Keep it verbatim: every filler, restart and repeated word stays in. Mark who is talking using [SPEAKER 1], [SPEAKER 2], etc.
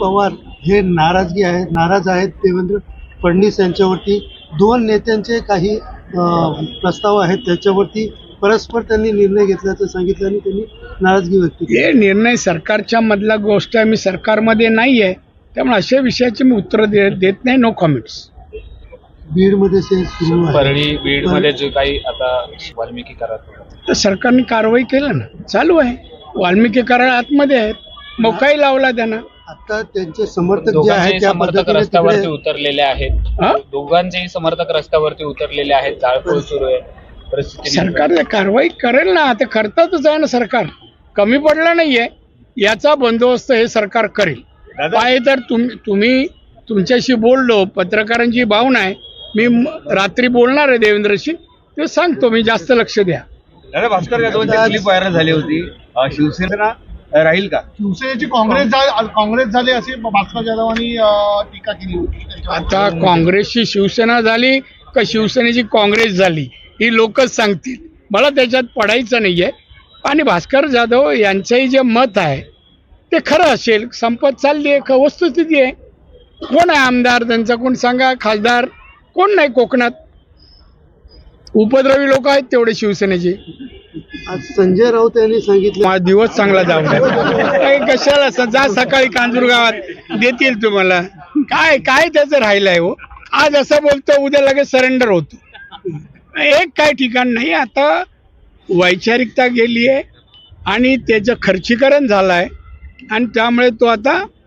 [SPEAKER 1] पवार हे नाराजगी आहे नाराज आहेत देवेंद्र फडणवीस यांच्यावरती. दोन नेत्यांचे काही प्रस्ताव आहेत त्याच्यावरती परस्पर त्यांनी निर्णय घेतल्याचं सांगितलं आणि त्यांनी नाराजगी व्यक्त केली.
[SPEAKER 2] हे निर्णय सरकारच्या मधला गोष्ट आहे, मी सरकारमध्ये नाही आहे, त्यामुळे अशा विषयाची मी उत्तर दे, देत नाही. No comments.
[SPEAKER 1] बीडमध्ये सुरू आहे,
[SPEAKER 3] परळी बीडमध्ये जे काही आता वाल्मिकी करार
[SPEAKER 2] तर सरकारने कारवाई केलं ना, चालू आहे. वाल्मिकी करार आतमध्ये आहेत, मोकाही लावला त्यांना.
[SPEAKER 1] आता त्यांचे समर्थक जे
[SPEAKER 3] दोघांचेही
[SPEAKER 1] आहेत त्या
[SPEAKER 3] समर्थक
[SPEAKER 1] पद्धतीने
[SPEAKER 3] रस्त्यावरती
[SPEAKER 1] तिकडे
[SPEAKER 3] उतरलेले आहेत. दोघांचेही समर्थक रस्त्यावरती उतरलेले आहेत. जाळपोळ सुरू आहे. परिस्थिती
[SPEAKER 2] सरकार कारवाई करेल ना, आता करतातच आहे ना. सरकार कमी पडलं नाहीये, याचा बंदोबस्त हे सरकार करेल. काय तर तुम्ही तुम्ही तुमच्याशी बोललो, पत्रकारांची भावना आहे, मी रात्री बोलणार आहे देवेंद्रशी, ते सांगतो मी. जास्त लक्ष द्या.
[SPEAKER 4] दादा, भास्कर जाधवांची क्लिप व्हायरल झाली होती. शिवसेना राहील का?
[SPEAKER 5] शिवसेनेची काँग्रेस काँग्रेस झाली अशी भास्कर जाधवांनी टीका केली होती.
[SPEAKER 2] आता काँग्रेसची शिवसेना झाली का शिवसेनेची काँग्रेस झाली ही लोकच सांगतील, मला त्याच्यात पडायचं नाहीये. आणि भास्कर जाधव यांचंही जे मत आहे ते खरं असेल, संपत चालली आहे, वस्तुस्थिती आहे. कोण आहे आमदार त्यांचा, कोण सांगा, खासदार कोण नाही कोकणात. उपद्रवी लोक आहेत तेवढे शिवसेनेचे.
[SPEAKER 1] आज संजय राऊत यांनी सांगितलं
[SPEAKER 2] माझा दिवस चांगला जाऊ द्या. कशाला स- जा सकाळी कांजूर गावात देतील तुम्हाला. काय काय त्याचं राहिलंय हो. आज असं बोलतो, उद्या लगेच सरेंडर होतो. एक काय ठिकाण नाही. आता वैचारिकता गेली आहे आणि त्याचं खर्चीकरण झालं आहे आणि त्यामुळे तो आता